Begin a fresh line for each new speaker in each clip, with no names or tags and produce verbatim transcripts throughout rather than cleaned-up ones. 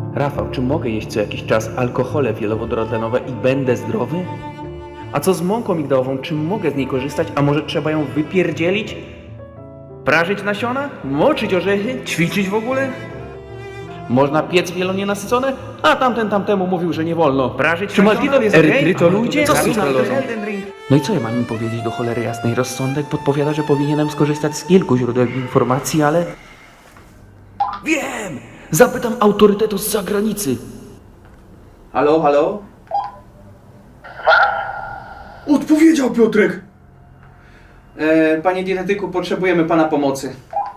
Rafał, czy mogę jeść co jakiś czas alkohole wielowodorotlenowe i będę zdrowy? A co z mąką migdałową, czy mogę z niej korzystać, a może trzeba ją wypierdzielić? Prażyć nasiona? Moczyć orzechy? Ćwiczyć w ogóle? Można piec wielonienasycone? A tamten tamtemu mówił, że nie wolno. Prażyć
Czy maltitol jest okej?
erytrytoludzie?
Co z
Zaraz
sukralozą?
Elden Ring. No i co ja mam im powiedzieć do cholery jasnej? Rozsądek podpowiada, że powinienem skorzystać z kilku źródeł informacji, ale... Wiem! Zapytam autorytetu z zagranicy.
Halo, halo? Odpowiedział Piotrek! E, panie dietetyku, potrzebujemy pana pomocy.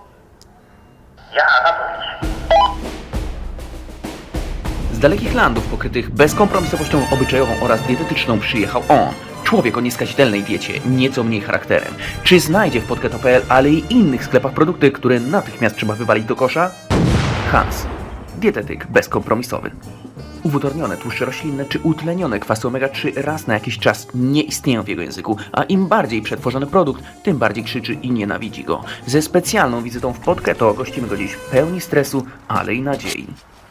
Z dalekich landów pokrytych bezkompromisowością obyczajową oraz dietetyczną przyjechał on. Człowiek o nieskazitelnej diecie, nieco mniej charakterem. Czy znajdzie w podketo kropka p l, ale i innych sklepach produkty, które natychmiast trzeba wywalić do kosza? Hans. Dietetyk bezkompromisowy. Uwodornione tłuszcze roślinne czy utlenione kwasy omega trzy raz na jakiś czas nie istnieją w jego języku, a im bardziej przetworzony produkt, tym bardziej krzyczy i nienawidzi go. Ze specjalną wizytą w Podketo gościmy go dziś pełni stresu, ale i nadziei.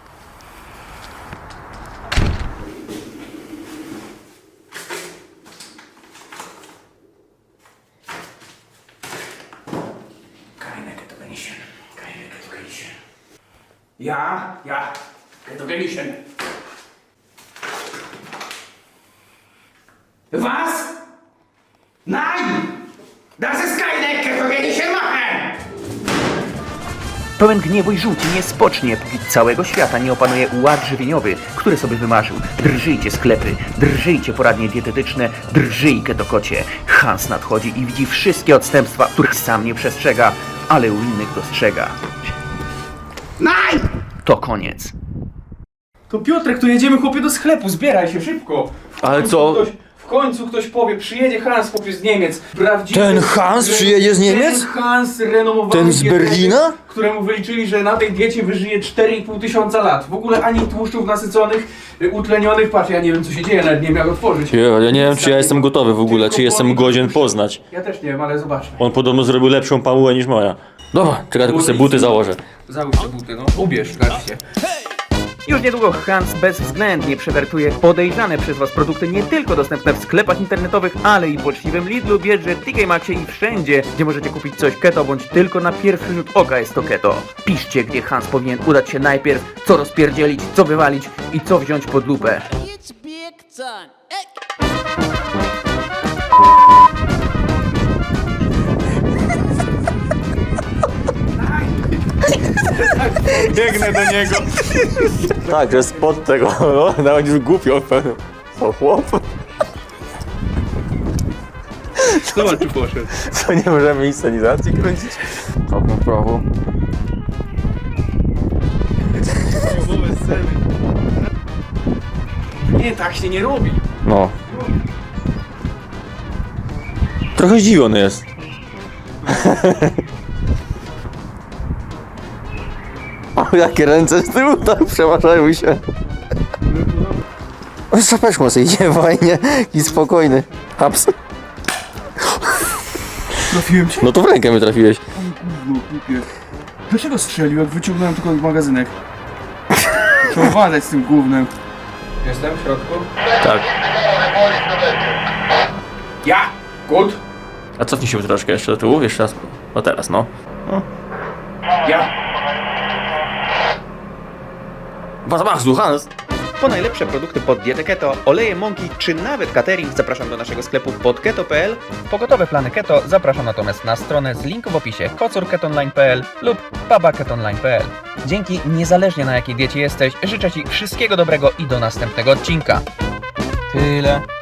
Ja, ja, Ketogenischen. Was? Nein! Das ist keine Ketogenischen machen!
Pełen gniewu i żółci nie spocznie, póki całego świata nie opanuje ład żywieniowy, który sobie wymarzył. Drżyjcie sklepy, drżyjcie poradnie dietetyczne, drżyj ketokocie. Hans nadchodzi i widzi wszystkie odstępstwa, których sam nie przestrzega, ale u innych dostrzega.
Nein!
To koniec.
To Piotrek, to jedziemy chłopie do sklepu, zbieraj się szybko. W
Ale
końcu
co?
Ktoś, w końcu ktoś powie, przyjedzie Hans chłopie z Niemiec. Prawdziwy,
Ten Hans przyjedzie z Niemiec?
Ten Hans renomowany
Ten z
dietetyk,
Berlina?
Któremu wyliczyli, że na tej diecie wyżyje cztery i pół tysiąca lat. W ogóle ani tłuszczów nasyconych, y, utlenionych. Patrz, ja nie wiem co się dzieje, nawet nie miał otworzyć.
Ja, ja nie wiem, czy ja jestem gotowy w ogóle, czy jestem godzien poznać.
Ja też nie wiem, ale zobaczmy.
On podobno zrobił lepszą pamułę niż moja. Dobra, czekaj, tylko sobie buty założę.
Załóż te buty, no. Ubierz, wreszcie.
Już niedługo Hans bezwzględnie przewertuje podejrzane przez Was produkty nie tylko dostępne w sklepach internetowych, ale i w poczciwym Lidlu, Biedrze, T K Maxie i wszędzie, gdzie możecie kupić coś keto, bądź tylko na pierwszy rzut oka jest to keto. Piszcie, gdzie Hans powinien udać się najpierw, co rozpierdzielić, co wywalić i co wziąć pod lupę.
It's big time. Hey.
Biegnę do niego.
Tak, że spod tego, no, nawet już głupio pewnie. O chłop,
Zobacz, czy poszedł.
co nie możemy inscenizacji kręcić? Hop na prawo.
Nie, tak się nie robi.
No. Trochę zdziwiony jest. O, jakie ręce z tyłu tak przeważają się. O, z czapeczką sobie idzie fajnie i spokojny. Haps.
Trafiłem cię?
No to w rękę mnie trafiłeś.
No, głupie. Dlaczego strzelił, jak wyciągnąłem tylko magazynek? Trzeba uważać z tym gównem. Jestem w środku?
Tak.
Ja! Good!
A cofnij się troszkę jeszcze do tyłu, jeszcze raz. No teraz, no.
Ja!
Was mach, Hans.
Po najlepsze produkty pod dietę keto, oleje mąki czy nawet catering zapraszam do naszego sklepu podketo kropka p l. Pogotowe plany keto zapraszam natomiast na stronę z linku w opisie kocur ketonline kropka p l lub pabaketonline kropka p l. Dzięki, niezależnie na jakiej diecie jesteś, życzę Ci wszystkiego dobrego i do następnego odcinka. Tyle.